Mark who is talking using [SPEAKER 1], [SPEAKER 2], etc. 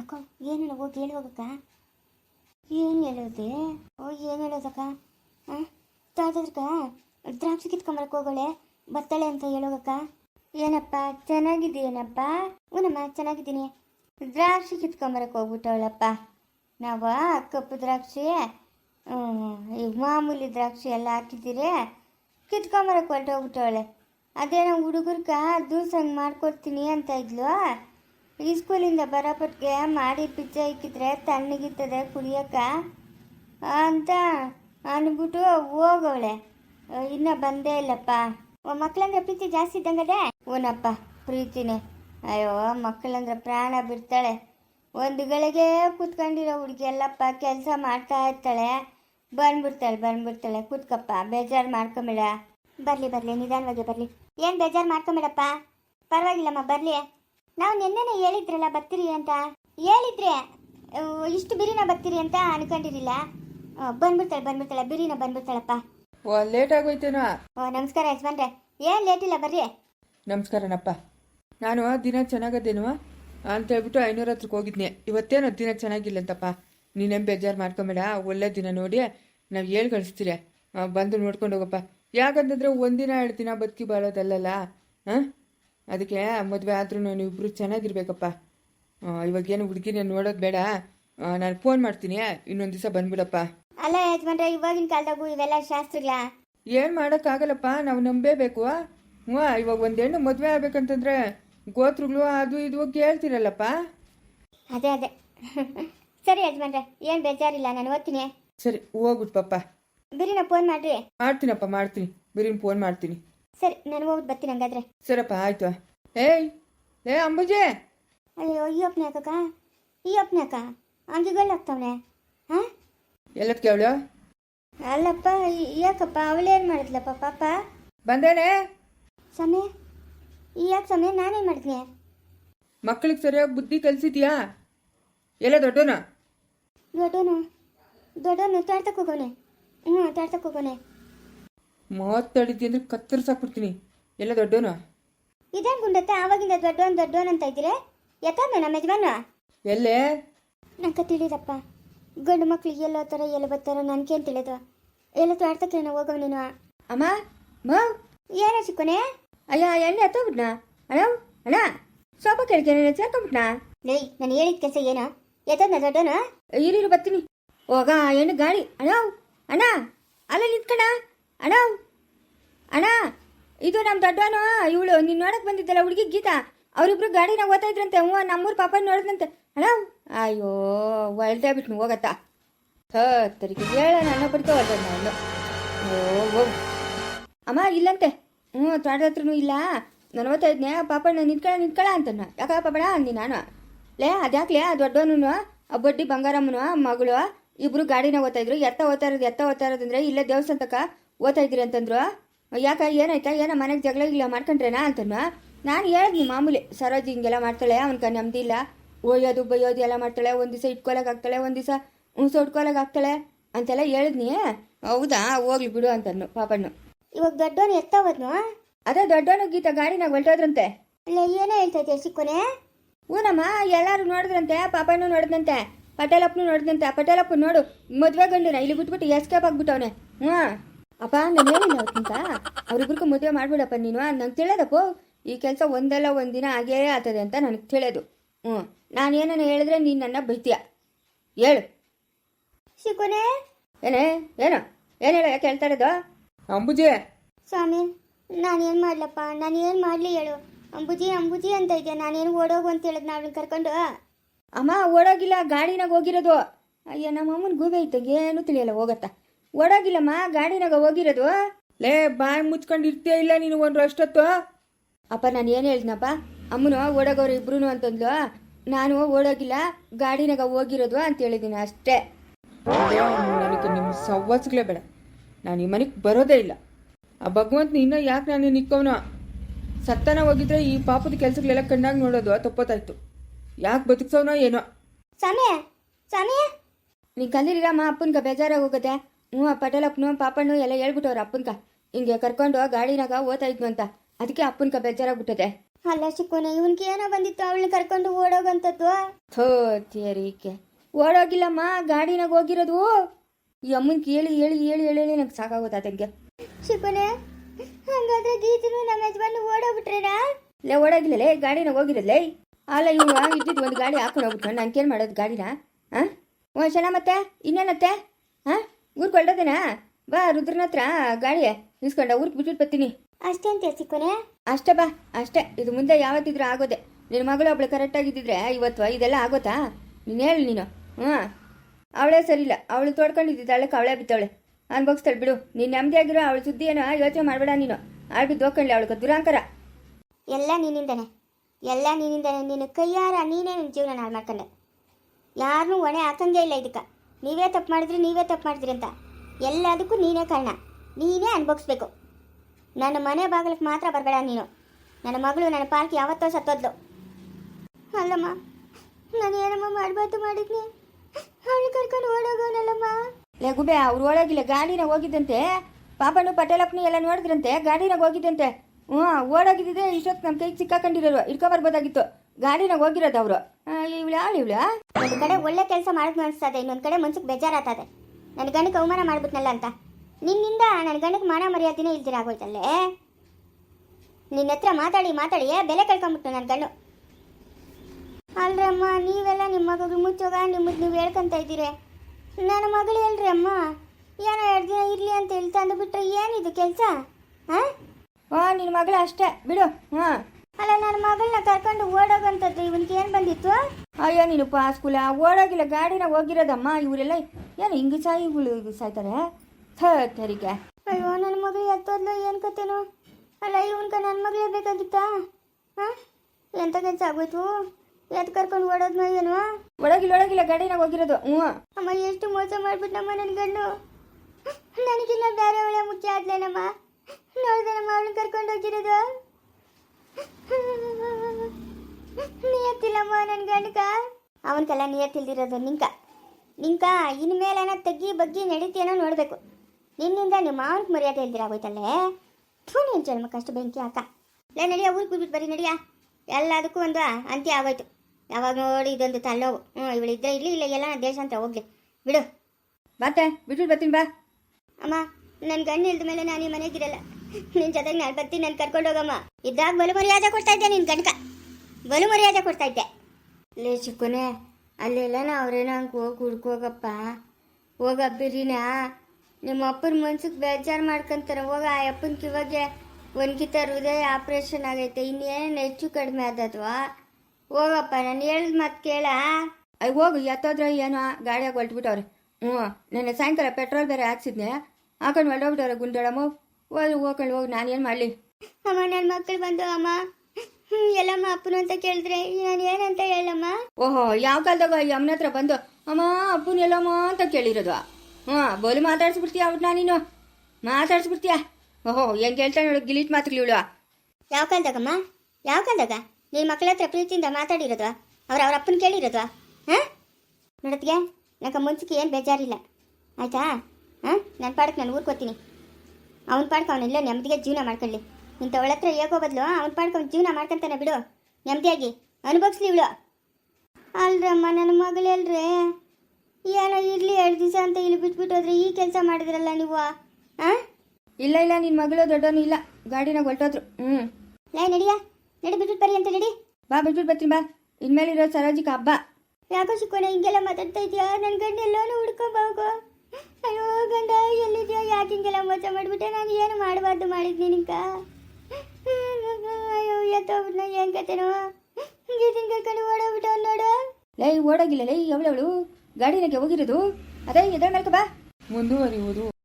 [SPEAKER 1] ಯಾಕೋ ಏನಿಲ್ಲ, ಹೋಗಿ ಹೇಳಿ ಹೋಗಕ್ಕ. ಏನು ಹೇಳೋದೆ? ಏನು ಹೇಳೋದಕ್ಕ? ಹಾಂ ತಾತದ್ರಕ್ಕ ದ್ರಾಕ್ಷಿ ಕಿತ್ಕೊಂಬರಕ್ಕೆ ಹೋಗೋಳೆ ಬರ್ತಾಳೆ ಅಂತ ಹೇಳೋಗಕ್ಕ. ಏನಪ್ಪ ಚೆನ್ನಾಗಿದ್ದೀನಪ್ಪ? ಹ್ಞೂನಮ್ಮ ಚೆನ್ನಾಗಿದ್ದೀನಿ. ದ್ರಾಕ್ಷಿ ಕಿತ್ಕೊಂಬರಕ್ಕೆ ಹೋಗ್ಬಿಟ್ಟವಳಪ್ಪ. ನಾವು ಕಪ್ಪು ದ್ರಾಕ್ಷಿ ಈ ಮಾಮೂಲಿ ದ್ರಾಕ್ಷಿ ಎಲ್ಲ ಹಾಕಿದ್ದೀರಿ, ಕಿತ್ಕೊಂಬರಕ್ಕೆ ಹೊರಟೋಗ್ಬಿಟ್ಟವಳೆ. ಅದೇನೋ ಹುಡುಗರ್ಗ ದೂಸಂಗೆ ಮಾಡ್ಕೊಡ್ತೀನಿ ಅಂತ ಇದ್ಲು. ಈ ಸ್ಕೂಲಿಂದ ಬರೋಪಟ್ಟಿಗೆ ಮಾಡಿ ಪಿಜ್ಜಾ ಇಕ್ಕಿದ್ರೆ ತಣ್ಣಗಿರ್ತದೆ ಕುಡಿಯೋಕ್ಕ ಅಂತ ಅಂದ್ಬಿಟ್ಟು ಹೋಗವಳೆ. ಇನ್ನೂ ಬಂದೇ ಇಲ್ಲಪ್ಪ. ಮಕ್ಕಳಂದ್ರೆ ಪ್ರೀತಿ ಜಾಸ್ತಿ ಇದ್ದಂಗದೆ? ಹ್ಞೂನಪ್ಪ ಪ್ರೀತಿನೇ. ಅಯ್ಯೋ ಮಕ್ಕಳಂದ್ರೆ ಪ್ರಾಣ ಬಿಡ್ತಾಳೆ. ಒಂದು ಗಳಿಗೆ ಕೂತ್ಕೊಂಡಿರೋ ಹುಡುಗಿ ಎಲ್ಲಪ್ಪ ಕೆಲಸ ಮಾಡ್ತಾ ಇರ್ತಾಳೆ, ಬಂದ್ಬಿಡ್ತಾಳೆ. ಕೂತ್ಕಪ್ಪ, ಬೇಜಾರು ಮಾಡ್ಕೊಂಬೇಡ. ಬರಲಿ ನಿಧಾನವಾಗಿ ಬರಲಿ. ಏನು ಬೇಜಾರು ಮಾಡ್ಕೊಂಬೇಡಪ್ಪ, ಪರವಾಗಿಲ್ಲಮ್ಮ ಬರಲಿ. ನಾವು ನಿನ್ನೆನೇ ಹೇಳಿದ್ರಲ್ಲ ಬರ್ತೀರಿ ಅಂತ. ಹೇಳಿದ್ರೆ ಇಷ್ಟು ಬಿರಿನ ಬರ್ತೀರಿ ಅಂತ ಅನ್ಕೊಂಡಿರಲಿಲ್ಲ. ಬಂದ್ಬಿಡ್ತಾಳೆ ಬಿರಿನ ಬಂದ್ಬಿಡ್ತಾಳಪ್ಪ.
[SPEAKER 2] ಲೇಟ್ ಆಗೋಯ್ತೇನೋ?
[SPEAKER 1] ನಮಸ್ಕಾರ ಯಜಮಾನ್ರೆ. ಏನು ಲೇಟ್ ಇಲ್ಲ, ಬರ್ರಿ.
[SPEAKER 2] ನಮಸ್ಕಾರನಪ್ಪ. ನಾನು ದಿನ ಚೆನ್ನಾಗದೇನು ಅಂತ ಹೇಳ್ಬಿಟ್ಟು 500 ಹತ್ರಕ್ಕೆ ಹೋಗಿದ್ನಿ. ಇವತ್ತೇನೋ ದಿನ ಚೆನ್ನಾಗಿಲ್ಲಂತಪ್ಪ. ನೀನೇನು ಬೇಜಾರು ಮಾಡ್ಕೊಂಬೇಡ, ಒಳ್ಳೆ ದಿನ ನೋಡಿ ನಾವು ಹೇಳಿ ಕಳಿಸ್ತೀರ. ಬಂದು ನೋಡ್ಕೊಂಡು ಹೋಗಪ್ಪ. ಯಾಕಂತಂದರೆ ಒಂದಿನ 2 ದಿನ ಬದುಕಿ ಬಾಳೋದಲ್ಲಲ್ಲ. ಹಾಂ, ಅದಕ್ಕೆ ಮದುವೆ ಆದ್ರೂ ನೀವಿಬ್ರು ಚೆನ್ನಾಗಿರ್ಬೇಕಪ್ಪ. ಇವಾಗೇನು ಹುಡುಗಿನ ನೋಡೋದು ಬೇಡ. ನಾನು ಫೋನ್ ಮಾಡ್ತೀನಿ, ಇನ್ನೊಂದು ದಿವಸ ಬಂದ್ಬಿಡಪ್ಪ.
[SPEAKER 1] ಅಲ್ಲ ಯಜಮಾನ್ರೆ, ಇವಾಗಿನ ಕಾಲದಾಗೂ ಇವೆಲ್ಲ ಶಾಸ್ತ್ರಗಳ
[SPEAKER 2] ಏನು ಮಾಡೋಕ್ಕಾಗಲ್ಲಪ್ಪ, ನಾವು ನಂಬೇಬೇಕು. ಇವಾಗ ಒಂದು ಹೆಣ್ಣು ಮದುವೆ ಆಗ್ಬೇಕಂತಂದ್ರೆ ಗೋತ್ರಗಳು ಅದು ಇದು ಕೇಳ್ತಿರಲ್ಲಪ್ಪ.
[SPEAKER 1] ಅದೇ ಸರಿ ಯಜಮಾನ್ರೆ, ಏನು ಬೇಜಾರಿಲ್ಲ, ನಾನು ಓದ್ತೀನಿ.
[SPEAKER 2] ಸರಿ ಹೋಗ್ಬಿಟ್ಟು ಪಪ್ಪ.
[SPEAKER 1] ಬಿರಿನ ಫೋನ್ ಮಾಡ್ರಿ.
[SPEAKER 2] ಮಾಡ್ತೀನಿ. ಬಿರಿನ ಫೋನ್ ಮಾಡ್ತೀನಿ.
[SPEAKER 1] ಸರಿ, ನಾನು ಹೋಗ್ಬಿಟ್ಟು ಬರ್ತೀನಿ ಹಂಗಾದ್ರೆ.
[SPEAKER 2] ಸರಪ್ಪ ಆಯ್ತು. ಏ ಅಂಬುಜೆ.
[SPEAKER 1] ಅಯ್ಯೋ ಈ ಅಪ್ಪನೇ ಅಕ್ಕ ಹಂಗಿಗಳಾಗ್ತವನೆ. ಹಾಂ
[SPEAKER 2] ಎಲ್ಲತ್ ಕೇವಳು?
[SPEAKER 1] ಅಲ್ಲಪ್ಪ, ಯಾಕಪ್ಪ ಅವಳೇನು ಮಾಡಿದ್ಲಪ್ಪ ಪಾಪ?
[SPEAKER 2] ಬಂದೇನೆ
[SPEAKER 1] ಸಮಯ ಯಾಕೆ ಸಮಯ ನಾನೇನು ಮಾಡಿದ್ನಿ?
[SPEAKER 2] ಮಕ್ಕಳಿಗೆ ಸರಿಯಾಗಿ ಬುದ್ಧಿ ಕಲಿಸಿದ್ಯಾ? ಎಲ್ಲ ದೊಡ್ಡೋನ
[SPEAKER 1] ತಾಡ್ತಕ್ಕೆ ಹೋಗೋನೆ. ತಾಡ್ತಕ್ಕೆ ಹೋಗೋನೆ.
[SPEAKER 2] ಮಾತಾಡಿದ್ದಿ ಅಂದ್ರೆ ಕತ್ತರಿಸಾಕ್ಬಿಡ್ತೀನಿ. ಎಲ್ಲ ದೊಡ್ಡೋನು?
[SPEAKER 1] ಇದೇನು ಗುಂಡತ್ತೆ ಆವಾಗಿಂದ ದೊಡ್ಡೋನ್ ಅಂತ ಇದ್ದೀರಿ? ಯಾಕಂದ ನಮ್ಮ ಯಜಮಾನ
[SPEAKER 2] ಎಲ್ಲೇ?
[SPEAKER 1] ನಂಗೆ ತಿಳಿದಪ್ಪ. ಗಂಡು ಮಕ್ಳಿಗೆ ಎಲ್ಲೋ ಥರ ಎಲ್ಲ ಬರ್ತಾರೋ ನನಗೇನು ತಿಳಿದು. ಎಲ್ಲ ತಾಡ್ತಕ್ಕೆ ನಾವು ಹೋಗವ ನೀನು.
[SPEAKER 2] ಅಮ್ಮ
[SPEAKER 1] ಏನೋ ಸಿಕ್ಕೋನೆ?
[SPEAKER 2] ಅಯ್ಯ ಎಣ್ಣೆ ಹತ್ತೋಗ್ಬಿಟ್ನಾ? ಅಣ್ಣ ಸ್ವಲ್ಪ ಕೇಳ್ಕೇನೆ ಸೇರ್ಕೊಂಬಿಟ್ನಾ?
[SPEAKER 1] ಲೇ, ನಾನು ಹೇಳಿದ ಕೆಲಸ ಏನೋ ಎತ್ತದ ದೊಡ್ಡೋನು?
[SPEAKER 2] ಇರು ಬರ್ತೀನಿ. ಹೋಗ ಎಣ್ಣೆ ಗಾಡಿ. ಅಣ್ಣ ಅಲ್ಲ ನಿಂತ್ಕಣ. ಅಣ್ಣ ಇದು ನಮ್ಮ ದೊಡ್ಡವನು. ಇವಳು ನೀನು ನೋಡಕ್ ಬಂದಿದ್ದಲ್ಲ ಹುಡುಗಿ ಗೀತಾ, ಅವರಿಬ್ರು ಗಾಡಿನ ಓದ್ತಾ ಇದ್ರಂತೆ. ನಮ್ಮೂರು ಪಾಪ ನೋಡಿದ್ರಂತೆ. ಅಯ್ಯೋ ಒಳ್ಳೆ ಬಿಟ್ಟು ಹೋಗತ್ತಾ ತರಿಗೆ ಹೇಳ ಅನ್ನ ಪಡ್ಕೊ ನಾನು. ಹೋಗು ಅಮ್ಮ. ಇಲ್ಲಂತೆ. ತೋಟದ ಹತ್ರನೂ ಇಲ್ಲ. ನಾನು ಓದ್ತಾ ಇದ್ನೆ. ಪಾಪಣ್ಣ ನಿಂತ್ಕೊಳ ಅಂತನ. ಯಾಕ ಪಾಪಣ ಅಂದಿ ನಾನು. ಲೇ ಅದ್ಯಾಕ್ಲೇ ದೊಡ್ಡವನು ಬಡ್ಡಿ ಬಂಗಾರಮ್ಮನ ಮಗಳು ಇಬ್ರು ಗಾಡಿನ ಓದ್ತಾ ಇದ್ರು. ಎತ್ತ ಓದ್ತಾ ಇರೋದಂದ್ರೆ ಇಲ್ಲೇ ದೇವಸ್ಥಾನ ತಕ ಓದ್ತಾ ಇದ್ರಿ ಅಂತಂದ್ರು. ಯಾಕ ಏನಾಯ್ತಾ? ಏನೋ ಮನೆಗೆ ಜಗಳ ಇಲ್ಲ ಮಾಡ್ಕೊಂಡ್ರೇನಾ ಅಂತನು. ನಾನು ಹೇಳಿದ್ನಿ ಮಾಮೂಲಿ, ಸರೋಜಿ ಹಿಂಗೆಲ್ಲ ಮಾಡ್ತಾಳೆ, ಅವನ್ಕ ನೆಮ್ಮದಿಲ್ಲ, ಒಯ್ಯೋದು ಬೈಯೋದು ಎಲ್ಲ ಮಾಡ್ತಾಳೆ, ಒಂದು ದಿವಸ ಇಟ್ಕೊಳಕ್ಕೆ ಆಗ್ತಾಳೆ, ಒಂದು ದಿವಸ ಉಣ್ಸೋಟ್ಕೊಳಕ್ಕೆ ಆಗ್ತಾಳೆ ಅಂತೆಲ್ಲ ಹೇಳಿದ್ನಿ. ಹೌದಾ, ಹೋಗ್ಲಿ ಬಿಡು ಅಂತನು ಪಾಪಣ್ಣು.
[SPEAKER 1] ಇವಾಗ ದೊಡ್ಡವನು ಎತ್ತ ಹೋದ್ನು?
[SPEAKER 2] ಅದೇ ದೊಡ್ಡವನು ಗೀತಾ ಗಾಡಿನಾಗ ಹೊಲ್ಟೋದ್ರಂತೆ.
[SPEAKER 1] ಅಲ್ಲ ಏನೋ ಹೇಳ್ತಾ ಇದೆಯಾ ಸಿಕ್ಕೋನೆ?
[SPEAKER 2] ಹೂನಮ್ಮ, ಎಲ್ಲಾರು ನೋಡಿದ್ರಂತೆ. ಪಾಪಣ್ಣು ನೋಡಿದಂತೆ, ಪಟೇಲಪ್ಪನು ನೋಡಿದಂತೆ. ಪಟೇಲಪ್ಪ ನೋಡು ಮದುವೆ ಗಂಡಿನ ಇಲ್ಲಿ ಬಿಟ್ಬಿಟ್ಟು ಎಸ್ಕೇಪ್ ಆಗ್ಬಿಟ್ಟವನೆ. ಅಪ್ಪ ನಾನು ಹೇಳಿಲ್ಲ ಅವಕ್ಕಿಂತ ಅವ್ರಿಬ್ರಿಗೂ ಮದುವೆ ಮಾಡ್ಬಿಡಪ್ಪ ನೀನು. ನಂಗೆ ತಿಳಿದಪ್ಪ ಈ ಕೆಲಸ ಒಂದಲ್ಲ ಒಂದಿನ ಆಗೇ ಆಗ್ತದೆ ಅಂತ ನನಗೆ ತಿಳಿಯೋದು. ನಾನು ಏನನ್ನ ಹೇಳಿದ್ರೆ ನೀನು ನನ್ನ ಬೈತೀಯ. ಹೇಳು
[SPEAKER 1] ಸಿಕ್ಕೋನೆ.
[SPEAKER 2] ಏನು ಹೇಳ, ಯಾಕೆ ಹೇಳ್ತಾ ಇರೋದು? ಅಂಬುಜೆ
[SPEAKER 1] ಸ್ವಾಮಿ, ನಾನೇನು ಮಾಡ್ಲಪ್ಪ? ನಾನೇನು ಮಾಡಲಿ ಹೇಳು? ಅಂಬುಜಿ ಅಂತ ಇದೆಯಾ? ನಾನೇನು ಓಡೋಗು ಅಂತ ಹೇಳಿದ್ ಅವಳನ್ನ ಕರ್ಕೊಂಡು.
[SPEAKER 2] ಅಮ್ಮ ಓಡೋಗಿಲ್ಲ, ಗಾಡಿನಾಗ ಹೋಗಿರೋದು. ಅಯ್ಯ ನಮ್ಮ ಅಮ್ಮನ ಗೂಬೆ ಇತ್ತು, ಏನು ತಿಳಿಯಲ್ಲ. ಹೋಗತ್ತಾ ಓಡೋಗಿಲ್ಲಮ್ಮ, ಗಾಡಿನಾಗ ಹೋಗಿರೋದು. ಲೇ ಬಾಯಿ ಮುಚ್ಕೊಂಡು ಇರ್ತೀಯ ಇಲ್ಲ ನೀನು ಒಂದು ಅಷ್ಟೊತ್ತು? ಅಪ್ಪ ನಾನು ಏನು ಹೇಳಿದ್ನಪ್ಪ, ಅಮ್ಮನು ಓಡೋಗವ್ರು ಇಬ್ರು ಅಂತಂದ್ಲು. ನಾನು ಓಡೋಗಿಲ್ಲ, ಗಾಡಿನಾಗ ಹೋಗಿರೋದು ಅಂತ ಹೇಳಿದ್ದೀನಿ ಅಷ್ಟೇ. ನನಗೆ ನಿಮ್ಮ ಸವ್ವಾಸಗಳೇ ಬೇಡ. ನಾನು ಈ ಮನೆಗೆ ಬರೋದೇ ಇಲ್ಲ. ಆ ಭಗವಂತನ ಇನ್ನೂ ಯಾಕೆ ನಾನು ನಿಕ್ಕವನು? ಸತ್ತನ ಹೋಗಿದ್ರೆ ಈ ಪಾಪದ ಕೆಲಸಗಳೆಲ್ಲ ಕಣ್ಣಾಗಿ ನೋಡೋದು ತಪ್ಪೋತಾಯ್ತು. ಯಾಕೆ ಬದುಕ್ಸವನೋ ಏನೋ.
[SPEAKER 1] ಸಮಯ
[SPEAKER 2] ನೀನು ಕಲ್ಲಿರಮ್ಮ, ಅಪ್ಪನ್ಗ ಬೇಜಾರಾಗಿ ಹೋಗುತ್ತೆ. ಪಟೇಲಪ್ಪನು ಪಾಪಣ್ಣು ಎಲ್ಲ ಹೇಳ್ಬಿಟ್ಟವ್ರು ಅಪ್ಪನ್ಕ ಹಿಂಗೆ ಕರ್ಕೊಂಡು ಗಾಡಿನಾಗ ಓದ್ತಾ ಇದ್ನು ಅಂತ. ಅದಕ್ಕೆ ಅಪ್ಪನ್ಕ ಬೇಜಾರಾಗ್ಬಿಟ್ಟದೆ.
[SPEAKER 1] ಅಲ್ಲ ಚಿಕ್ಕೋನೆ ಇವನ್ಗೆ ಏನೋ ಬಂದಿತ್ತು ಅವಳನ್ನ ಕರ್ಕೊಂಡು ಓಡೋಗಂಥದ್ದು.
[SPEAKER 2] ಥೋ ತೇರಿಕೆ ಓಡೋಗಿಲ್ಲಮ್ಮ, ಗಾಡಿನಾಗ ಹೋಗಿರೋದು. ಈ ಅಮ್ಮನ ಹೇಳಿ ಹೇಳಿ ಹೇಳಿ ಹೇಳಿ ನಂಗೆ ಸಾಕಾಗೋದು ಅದಂಗೆ.
[SPEAKER 1] ಚಿಕ್ಕೋನೆ ಹಂಗಾದ್ರೆ ಗೀತನು ನಮ್ಮ ಯಜಮಾನ ಓಡೋಗ್ಬಿಟ್ರೇನಾ?
[SPEAKER 2] ಲೇ ಓಡಾಗಿಲ್ಲಲೇ, ಗಾಡಿನಾಗ ಹೋಗಿರೋದ್ಲೇ. ಅಲ್ಲ ಇವ್ನು ಇದ್ದಿದ್ದು ಒಂದು ಗಾಡಿ ಹಾಕೊಂಡು ಹೋಗ್ಬಿಟ್ಟು ನನ್ಗೇನು ಮಾಡೋದು ಗಾಡಿನ? ಹಾಂ ಶನ ಮತ್ತೆ ಇನ್ನೇನತ್ತೆ? ಹಾಂ ಊರಿಗೆ ಹೊರಡೋದೇನಾ? ಬಾ ರುದ್ರನ ಹತ್ರ ಗಾಡಿ ನಿಲ್ಸ್ಕೊಂಡ ಊರಿಗೆ ಬಿಟ್ಬಿಟ್ಟು ಬರ್ತೀನಿ.
[SPEAKER 1] ಅಷ್ಟೇ ಅಂತೀಯ ಚಿಕ್ಕೋನೆ?
[SPEAKER 2] ಅಷ್ಟೇ ಬಾ ಅಷ್ಟೇ. ಇದು ಮುಂದೆ ಯಾವತ್ತಿದ್ರೂ ಆಗೋದೆ. ನಿನ್ನ ಮಗಳು ಒಬ್ಳು ಕರೆಕ್ಟಾಗಿದ್ದಿದ್ರೆ ಇವತ್ತು ಇದೆಲ್ಲ ಆಗೋತಾ? ನೀನು ಹೇಳು ನೀನು. ಹಾಂ ಅವಳೇ ಸರಿಯಿಲ್ಲ, ಅವಳು ತೋಡ್ಕೊಂಡಿದ್ದಿದ್ದು ಅಳ್ಳಕ್ಕೆ ಅವಳೇ ಬಿತ್ತವಳೆ ಅನ್ಭೋಗಿಸ್ತಾಳೆ ಬಿಡು. ನೀನು ನೆಮ್ಮದಿಯಾಗಿರೋ ಅವಳು ಸುದ್ದಿ ಏನೋ ಯೋಚನೆ ಮಾಡಬೇಡ ನೀನು. ಆಳ್ಬಿದ್ದು ಹೋಗ್ಕೊಂಡ್ಲಿ ಅವಳಿಗೆ ದುರಾಂಕರ.
[SPEAKER 1] ಎಲ್ಲ ನೀನಿಂದಾನೆ, ಎಲ್ಲ ನೀನಿಂದಾನೆ. ನೀನು ಕೈಯಾರ ನೀನೇ ನಿನ್ನ ಜೀವನ ಹಾಳು ಮಾಡ್ಕೊಂಡೆ. ಯಾರನ್ನೂ ಹೊಣೆ ಹಾಕಂಗೇ ಇಲ್ಲ ಇದಕ್ಕೆ. ನೀವೇ ತಪ್ಪು ಮಾಡಿದ್ರಿ ಅಂತ ಎಲ್ಲದಕ್ಕೂ ನೀನೇ ಕಾರಣ. ನೀನೇ ಅನ್ಭೋಗಿಸ್ಬೇಕು. ನನ್ನ ಮನೆ ಬಾಗಿಲಕ್ಕೆ ಮಾತ್ರ ಬರಬೇಡ ನೀನು. ನನ್ನ ಮಗಳು ನನ್ನ ಪಾರ್ಕ್ ಯಾವತ್ತೋ ಸತ್ತೋದ್ಲು. ಅಲ್ಲಮ್ಮ ನಾನು ಏನಮ್ಮ ಮಾಡಬಾರ್ದು ಮಾಡಿದ್ನಿ? ಅವಳು ಕರ್ಕೊಂಡು ಓಡೋಗೋನಲ್ಲಮ್ಮ.
[SPEAKER 2] ಲೇ ಗುಬೆ, ಅವ್ರು ಓಡೋಗಿಲ್ಲ, ಗಾಡಿನಾಗ ಹೋಗಿದ್ದಂತೆ. ಪಾಪನು ಪಟೇಲಪ್ಪನು ಎಲ್ಲ ನೋಡಿದ್ರಂತೆ, ಗಾಡಿನಾಗ ಹೋಗಿದ್ದಂತೆ. ಓಡೋಗಿದ್ದಿದ್ರೆ ಇಷ್ಟೊತ್ತು ನಮ್ಮ ಕೈಗೆ ಸಿಕ್ಕಾಕೊಂಡಿರೋರು ಇಟ್ಕೊಂಬರ್ಬೋದಾಗಿತ್ತು. ಗಾಡಿನಾಗ ಹೋಗಿರೋದು ಅವರು. ಇವಳ
[SPEAKER 1] ಒಂದು ಕಡೆ ಒಳ್ಳೆ ಕೆಲಸ ಮಾಡಿದ್ನು ಅನಿಸ್ತದೆ, ಇನ್ನೊಂದು ಕಡೆ ಮನ್ಸಿಗೆ ಬೇಜಾರಾಗ್ತದೆ. ನನ್ನ ಗಂಡಕ್ಕೆ ಅವಮಾನ ಮಾಡ್ಬಿಟ್ನಲ್ಲ ಅಂತ. ನಿನ್ನಿಂದ ನನ್ನ ಗಂಡಕ್ಕೆ ಮಾನ ಮರ್ಯಾದಿನೇ ಇಲ್ದಿರಾಗೋಯ್ತಲ್ಲೇ. ನಿನ್ನ ಹತ್ರ ಮಾತಾಡಿ ಬೆಲೆ ಕಳ್ಕೊಂಬಿಟ್ಟು ನನ್ನ ಗಂಡು. ಅಲ್ರಮ್ಮ, ನೀವೆಲ್ಲ ನಿಮ್ಮ ಮಗಳು ಮುಚ್ಚೋಗ ನಿಮ್ಮದು ನೀವು ಹೇಳ್ಕೊಂತ ಇದ್ದೀರಿ. ನನ್ನ ಮಗಳು ಹೇಳ್ರಿ ಅಮ್ಮ, ಏನೋ 2 ದಿನ ಇರಲಿ ಅಂತ ಹೇಳ್ತಾ ಅಂದುಬಿಟ್ರೆ ಏನಿದು ಕೆಲಸ? ಹಾಂ
[SPEAKER 2] ನಿನ್ನ ಮಗಳು ಅಷ್ಟೇ ಬಿಡು. ಹಾಂ
[SPEAKER 1] ಅಲ್ಲ, ನನ್ನ ಮಗಳನ್ನ ಕರ್ಕೊಂಡು ಓಡೋಗಂಥದ್ದು ಇವನ್ಗೆ ಏನು ಬಂದಿತ್ತು?
[SPEAKER 2] ಅಯ್ಯೋ ನೀನು ಪಾಸ್ಕೂಲ ಓಡೋಗಿಲ್ಲ, ಗಾಡಿನಾಗ ಹೋಗಿರೋದಮ್ಮ. ಇವರೆಲ್ಲ ಏನು ಹಿಂಗೆ ಸಾಯಿಗಳು ಸಾಯ್ತಾರೆ ತೆರಿಗೆ.
[SPEAKER 1] ಅಯ್ಯೋ ನನ್ನ ಮಗಳು ಎತ್ತೋದ್ಲು ಏನು ಕತ್ತೇನೋ. ಅಲ್ಲ ಇವನ್ಕ ನನ್ನ ಮಗಳೇ ಬೇಕಾಗಿತ್ತಾ? ಹಾಂ ಎಂಥ ಕೆಲಸ ಆಗೋಯ್ತು? ಎತ್ತು ಕರ್ಕೊಂಡು ಓಡೋದ್ನ ಏನು?
[SPEAKER 2] ಒಳಗಿಲ್ಲ ಗಾಡಿನಾಗ ಹೋಗಿರೋದು.
[SPEAKER 1] ಅಮ್ಮ ಎಷ್ಟು ಮೋಸ ಮಾಡ್ಬಿಟ್ಟಮ್ಮ ನನ್ನ ಗಂಡು. ನನಗಿನ್ನ ಬೇರೆ ಒಳ್ಳೆ ಮುಖ್ಯ ಆದ್ಲೇನಮ್ಮ. ನೋಡಿದೆ ನಮ್ಮ ಅವಳನ್ನ ಕರ್ಕೊಂಡು ಹೋಗಿರೋದು. ನಿಯತ್ತಿಲ್ಲಮ್ಮ ನನ್ನ ಗಂಡಕ. ಅವನ್ಕೆಲ್ಲ ನಿಯತ್ತಿಲ್ದಿರೋದು ನಿಂಕ ಇನ್ಮೇಲೇನ ತಗ್ಗಿ ಬಗ್ಗಿ ನಡೀತೀನೋ ನೋಡಬೇಕು. ನಿನ್ನಿಂದ ನಿಮ್ಮ ಮಾವನ್ಗೆ ಮರ್ಯಾದೆ ಇಲ್ದಿರಾಗೋಯ್ತಲ್ಲೇ. ನೀನು ಜನ್ಮಕ್ಕಷ್ಟು ಬೆಂಕಿ ಹಾಕ. ನಡಿಯ ಊರಿಗೆ ಬಿಟ್ಬಿಟ್ಟು ಬರೀ ನಡಿಯ. ಎಲ್ಲದಕ್ಕೂ ಒಂದು ಅಂತ್ಯ ಆಗೋಯ್ತು. ಯಾವಾಗ ನೋಡಿ ಇದೊಂದು ತಲ್ಲೋಗು. ಇವಳಿದ್ದರೆ ಇಲ್ಲ ಎಲ್ಲ ದೇಶ ಅಂತ ಹೋಗ್ಲಿ ಬಿಡು.
[SPEAKER 2] ಮತ್ತೆ ಬಿಟ್ಬಿಟ್ಟು ಬರ್ತೀನಿ ಬಾ.
[SPEAKER 1] ಅಮ್ಮ ನನ್ನ ಗಂಡು ಇಲ್ದ ಮೇಲೆ ನಾನು ಈ ಮನೆಗಿರಲ್ಲ. ನಿನ್ನ ಜೊತೆಗೆ ನಾನು ಬರ್ತೀನಿ, ನಾನು ಕರ್ಕೊಂಡು ಹೋಗಮ್ಮ. ಇದ್ದಾಗ ಬಲು ಮರ್ಯಾದೆ ಕೊಡ್ತಾ ಇದ್ದೆ, ನಿನ್ನ ಗಂಡಕ ಬಲು ಮರ್ಯಾದೆ ಕೊಡ್ತಾ ಇದ್ದೆ. ಲೇ ಚಿಕ್ಕನೆ, ಅಲ್ಲೆಲ್ಲನ ಅವ್ರೇನೋ ಹಂಗೆ ಹೋಗಿ ಹುಡ್ಕೋಗಪ್ಪ. ಹೋಗ ಬಿರಿನಾ, ನಿಮ್ಮ ಅಪ್ಪನ ಮನ್ಸಿಗೆ ಬೇಜಾರು ಮಾಡ್ಕೊಂತಾರೆ. ಹೋಗ ಆ ಅಪ್ಪನ ಕಿವಾಗೆ ಒಂದ್ಕಿತ ಹೃದಯ ಆಪ್ರೇಷನ್ ಆಗೈತೆ, ಇನ್ನೇನು ಹೆಚ್ಚು ಕಡಿಮೆ ಆದದ್ವಾ? ಹೋಗಪ್ಪ, ನಾನು ಹೇಳಿದ ಮಾತು ಕೇಳ.
[SPEAKER 2] ಅಯ್ಯ ಹೋಗು, ಎತ್ತೋದ್ರೆ ಏನೋ ಗಾಡಿಯಾಗ ಹೊಲ್ಟ್ಬಿಟ್ಟವ್ರೆ. ನೆನ್ನೆ ಸಾಯಂಕಾಲ ಪೆಟ್ರೋಲ್ ಬೇರೆ ಹಾಕ್ಸಿದ್ನೆ, ಹಾಕೊಂಡು ಹೊಲ್ಟೋಗ್ಬಿಟ್ಟವ್ರೆ ಗುಂಡಳಮ್ಮ. ಹೋಗ್ಕೊಂಡು ಹೋಗಿ ನಾನೇನು ಮಾಡಲಿ?
[SPEAKER 1] ಅಮ್ಮ ನನ್ನ ಮಕ್ಕಳು ಬಂದು ಅಮ್ಮ ಎಲ್ಲಮ್ಮ ಅಪ್ಪನು ಅಂತ ಕೇಳಿದ್ರೆ ನಾನು ಏನಂತ ಹೇಳಮ್ಮ?
[SPEAKER 2] ಓಹೋ, ಯಾವ ಕಾಲದಾಗ ಯಮ್ಮನ ಹತ್ರ ಬಂದು ಅಮ್ಮ ಅಪ್ಪನ ಎಲ್ಲಮ್ಮ ಅಂತ ಕೇಳಿರೋದು? ಬೋಲಿ ಮಾತಾಡ್ಸ್ಬಿಡ್ತೀಯ ಅವ್ರನ್ನ ನೀನು, ಮಾತಾಡ್ಸ್ಬಿಡ್ತೀಯ. ಓಹೋ, ಹೆಂಗೆ ಹೇಳ್ತಾಳೆ ನೋಡು ಗಿಲೀಟ್ ಮಾತುಗಳು ಇವಳು.
[SPEAKER 1] ಯಾವ ಕಾಲದಾಗಮ್ಮ? ಯಾವ ಕಾಲದಾಗ ನಿನ್ನ ಮಕ್ಕಳ ಹತ್ರ ಪ್ರೀತಿಯಿಂದ ಮಾತಾಡಿರೋದು? ಅವ್ರ ಅಪ್ಪನ ಕೇಳಿರೋದು? ಹಾಂ ನೋಡತ್ಗೆ ನಂಗೆ ಮುಂಚೆಗೆ ಏನು ಬೇಜಾರಿಲ್ಲ ಆಯಿತಾ? ನನ್ನ ಪಾಡಕ್ಕೆ ನಾನು ಊರಿಗೆ ಹೋಗ್ತೀನಿ. ಅವನ ಪಾಡ್ಕ ಅವನೆಲ್ಲ ನೆಮ್ಮದಿಗೆ ಜೀವನ ಮಾಡ್ಕೊಳ್ಳಿ. ಇಂಥವಳ ಹತ್ರ ಹೇಗೋ ಬದಲು ಅವನ ಪಾಡ್ಕ ಅವ್ನು ಜೀವನ ಮಾಡ್ಕೊಂತಾನೆ ಬಿಡು. ನೆಮ್ಮದಿಯಾಗಿ ಅನುಭವಿಸ್ಲಿ ಇವಳು. ಅಲ್ರಮ್ಮ, ನನ್ನ ಮಗಳಲ್ರೇ ಏನೋ ಇರಲಿ 2 ದಿವಸ ಅಂತ ಇಲ್ಲಿ ಬಿಟ್ಬಿಟ್ಟು ಹೋದ್ರೆ ಈ ಕೆಲಸ ಮಾಡಿದ್ರಲ್ಲ ನೀವು.
[SPEAKER 2] ಇಲ್ಲ ನಿನ್ನ ಮಗಳು ದೊಡ್ಡವನು ಇಲ್ಲ, ಗಾಡಿನಾಗ ಹೊಲ್ಟೋದ್ರು.
[SPEAKER 1] ನಡಿಯ, ನಡಿ ಬಿಟ್ಬಿಟ್ಟು ಬರಿ ಅಂತ ನಡಿ.
[SPEAKER 2] ಬಾ ಬಿಟ್ಬಿಟ್ಟು ಬರ್ತೀನಿ ಬಾ. ಇನ್ಮೇಲೆ ಇರೋ ಸರೋಜಿಕ ಹಬ್ಬ.
[SPEAKER 1] ಯಾಕೋ ಸಿಕ್ಕೋಣ ಹಿಂಗೆಲ್ಲ ಮಾತಾಡ್ತಾ ಇದೆಯಾ? ನನ್ನ ಗಂಡ ಎಲ್ಲೋನು ಹುಡ್ಕೊಂಬೋಗು. ಅಯ್ಯೋ ಗಂಡ ಎಲ್ಲಿದ್ಯೋ? ಯಾಕೆ ಹಿಂಗೆಲ್ಲ ಮೋಸ ಮಾಡಿಬಿಟ್ಟೆ? ನಾನು ಏನು ಮಾಡಬಾರ್ದು ಮಾಡಿದ್ನಿ ನಿಂಕ. ಅಯ್ಯೋ ಎತ್ತೋಗ್ಬಿಟ್ನ, ಏನು ಕತೆನೋ? ಗೀತಿನ ಕರ್ಕೊಂಡು ಓಡೋಗ್ಬಿಟ್ಟು ನೋಡು.
[SPEAKER 2] ಲೈ ಓಡೋಗಿಲ್ಲ ಲೈ, ಅವಳವಳು ಗಾಡಿನಾಗೆ ಹೋಗಿರೋದು. ಅದೇ ಎದ್ರ ಮೇಲ್ಕ ಬಾ.
[SPEAKER 3] ಮುಂದುವರಿಯುವುದು.